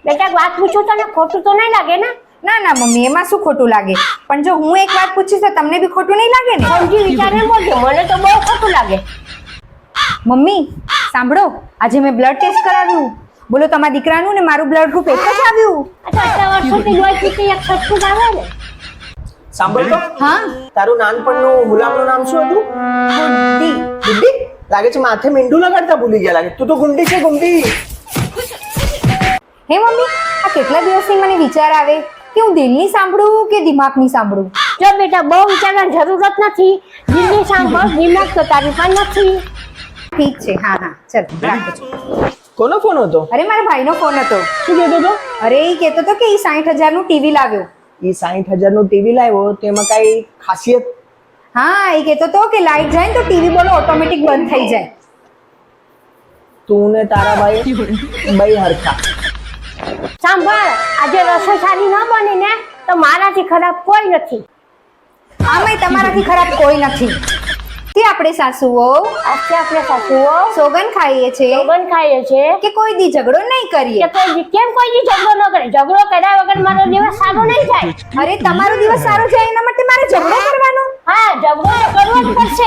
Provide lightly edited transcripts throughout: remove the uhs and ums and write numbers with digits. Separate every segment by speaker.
Speaker 1: બેટા વાત પૂછું તને ખોટું તો નહીં લાગે ને?
Speaker 2: ના ના મમ્મી, એમાં શું ખોટું લાગે? પણ જો હું એક વાત પૂછીશ તો તમને બી ખોટું નહીં લાગે ને?
Speaker 1: સમજી વિચારીને બોલજો, મને તો બહુ ખોટું લાગે.
Speaker 2: મમ્મી સાંભળો, આજે મેં બ્લડ ટેસ્ટ કરાવ્યું. બોલો તમારા દીકરાનું ને મારું બ્લડ ગ્રુપ એક જ આવ્યું.
Speaker 1: અચ્છા, આટલા વર્ષોથી લોહી પીતી એક સટકું જ આવે ને?
Speaker 3: સાંભળ તો,
Speaker 2: હા
Speaker 3: તારું નાનપણનું ગુલામનું નામ શું હતું?
Speaker 2: ગુડ્ડી.
Speaker 3: ગુડ્ડી? લાગે છે માથે મીંડું લગાડતા ભૂલી ગયા લાગે. તું તો ગુંડી છે, ગુંડી.
Speaker 2: હે મમ્મી, આ કેટલા દિવસથી મને વિચાર આવે કે હું દિલની સાંભળું કે દિમાગની સાંભળું.
Speaker 1: જો બેટા બહુ વિચારવાની જરૂરત નથી. દિલની સાંભળ, દિમાગ તો તારી પણ નથી.
Speaker 2: ઠીક છે, હા હા ચાલ રાખો છો.
Speaker 3: કોનો ફોન હતો?
Speaker 2: અરે મારા ભાઈનો ફોન હતો.
Speaker 3: શું કહેતો હતો?
Speaker 2: અરે એ કહેતો હતો કે એ 60,000 નું ટીવી લાવ્યો.
Speaker 3: એ 60,000 નું ટીવી લાવ્યો, તેમાં કઈ ખાસિયત?
Speaker 2: હા, એ કહેતો હતો કે લાઈટ જાય ને તો ટીવી બોલો ઓટોમેટિક બંધ થઈ જાય.
Speaker 3: તું ને તારા ભાઈ બઈ હરખા.
Speaker 1: સાંભળ, આજે રસોઈ સારી ન બની ને તો મારાથી ખરાબ કોઈ નથી.
Speaker 2: આમાંય તમારાથી ખરાબ કોઈ નથી. કે આપણે સાસુઓ
Speaker 1: આજે આપણે સાસુઓ
Speaker 2: સોગન ખાઈએ છે
Speaker 1: સોગન ખાઈએ છે
Speaker 2: કે કોઈ દી ઝઘડો નહીં કરીએ.
Speaker 1: કે કેમ કોઈ દી ઝઘડો ન કરે? ઝઘડો કર્યા વગર મારો દિવસ સારો નહીં જાય.
Speaker 2: અરે તમારો દિવસ સારો જાય એના માટે મારે ઝઘડો કરવાનો?
Speaker 1: હા, ઝઘડો તો કરવો જ પડશે.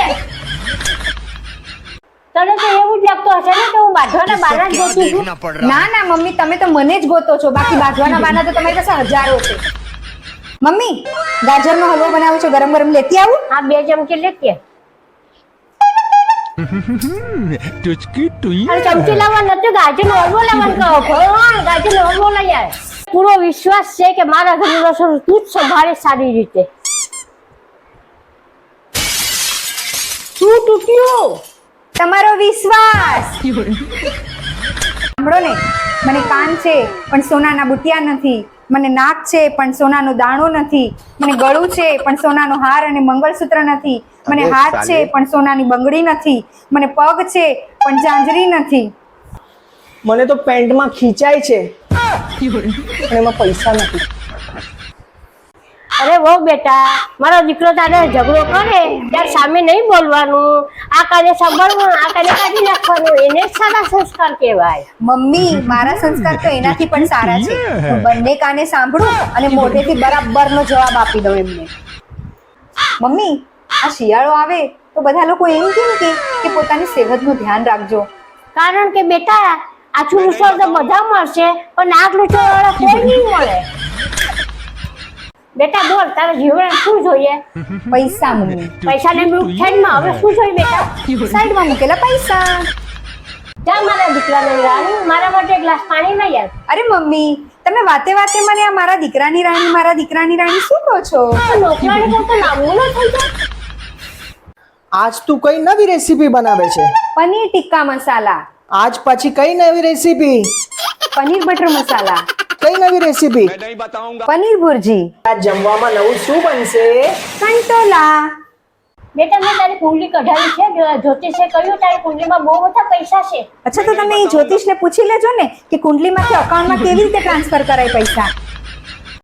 Speaker 1: તને તો એવું જ લાગતું હશે ને કે હું બાંધવાના બાના જ ગોતું છું.
Speaker 2: ના ના મમ્મી, તમે તો મને જ ગોતો છો, બાકી બાંધવાના બાના તો તમારી પાસે હજારો છે. મમ્મી, ગાજરનો હલવો બનાવું છો, ગરમ ગરમ લેતી આવું?
Speaker 1: આ 2 ચમચી લેતી આવ.
Speaker 4: ટુચકી ટુઈ
Speaker 1: અને ચમચી લાવવા નથી, ગાજરનો હલવો લાવવાનું કહો. ભગવાન, ગાજરનો હલવો લઈ આવે. પૂરો વિશ્વાસ છે કે મારા ઘરનું રસોડું તું જ સંભાળે સારી રીતે. શું તૂટ્યું?
Speaker 2: તમારો વિશ્વાસ. સાંભળો ને, મને કાન છે પણ સોનાના બુટિયા નથી, મને નાક છે પણ સોનાનો દાણો નથી, મને ગળું છે પણ સોનાનો હાર અને મંગળસૂત્ર નથી, મને હાથ છે પણ સોનાની બંગડી નથી, મને પગ છે પણ ઝાંઝરી નથી.
Speaker 3: મને તો પેન્ટમાં ખીચાય છે અને એમાં પૈસા નથી.
Speaker 1: અરે બહુ બેટા, મારો દીકરો તારે ઝઘડો કરે ત્યારે સામે નહીં બોલવાનું, આ કાને સાંભળવું, આ કાને કાઢી નાખવાનું, એને જ સારા સંસ્કાર કહેવાય.
Speaker 2: મમ્મી, મારા સંસ્કાર તો એનાથી પણ સારા છે. હું બંને કાને સાંભળું અને મોઢેથી બરાબરનો જવાબ આપી દઉં એમને. મમ્મી, આ શિયાળો આવે તો બધા લોકો એમ કેમ કે પોતાની સેહતનું ધ્યાન રાખજો.
Speaker 1: કારણ કે બેટા આછું લૂછો તો બધા મળશે પણ નાક લૂછો વાળા કોઈ નહીં મળે. બેટા બોલ, તારે જીવન શું જોઈએ?
Speaker 2: પૈસા મમ્મી.
Speaker 1: પૈસાને સાઈડમાં, હવે શું જોઈએ બેટા?
Speaker 2: સાઈડમાં મૂકેલા પૈસા.
Speaker 1: જા મારા દીકરાને રાણી, મારા માટે એક ગ્લાસ પાણી લઈ આવ.
Speaker 2: અરે મમ્મી, તમે વાતે વાતે મને આ મારા દીકરાની રાણી શું કહો છો?
Speaker 1: નોકરાણી કરતા લાંબુ ન થઈ જાય.
Speaker 3: આજ તું કઈ નવી રેસીપી બનાવે છે?
Speaker 2: પનીર ટિક્કા મસાલા,
Speaker 3: આજ પછી કઈ નવી રેસીપી?
Speaker 2: પનીર બટર મસાલા,
Speaker 3: કઈ નવી રેસીપી?
Speaker 2: પનીર ભુરજી,
Speaker 3: આજ જમવામાં નવું શું બનશે?
Speaker 2: કંટોલા.
Speaker 1: બેટા મેં તારી કુંડલી કઢાવી છે, જ્યોતિષે કહ્યું તારી કુંડલીમાં બહુ બધા પૈસા છે.
Speaker 2: અચ્છા, તો તમે એ જ્યોતિષને પૂછી લેજો ને કે કુંડલીમાંથી અકાઉન્ટમાં કેવી રીતે ટ્રાન્સફર કરાય પૈસા.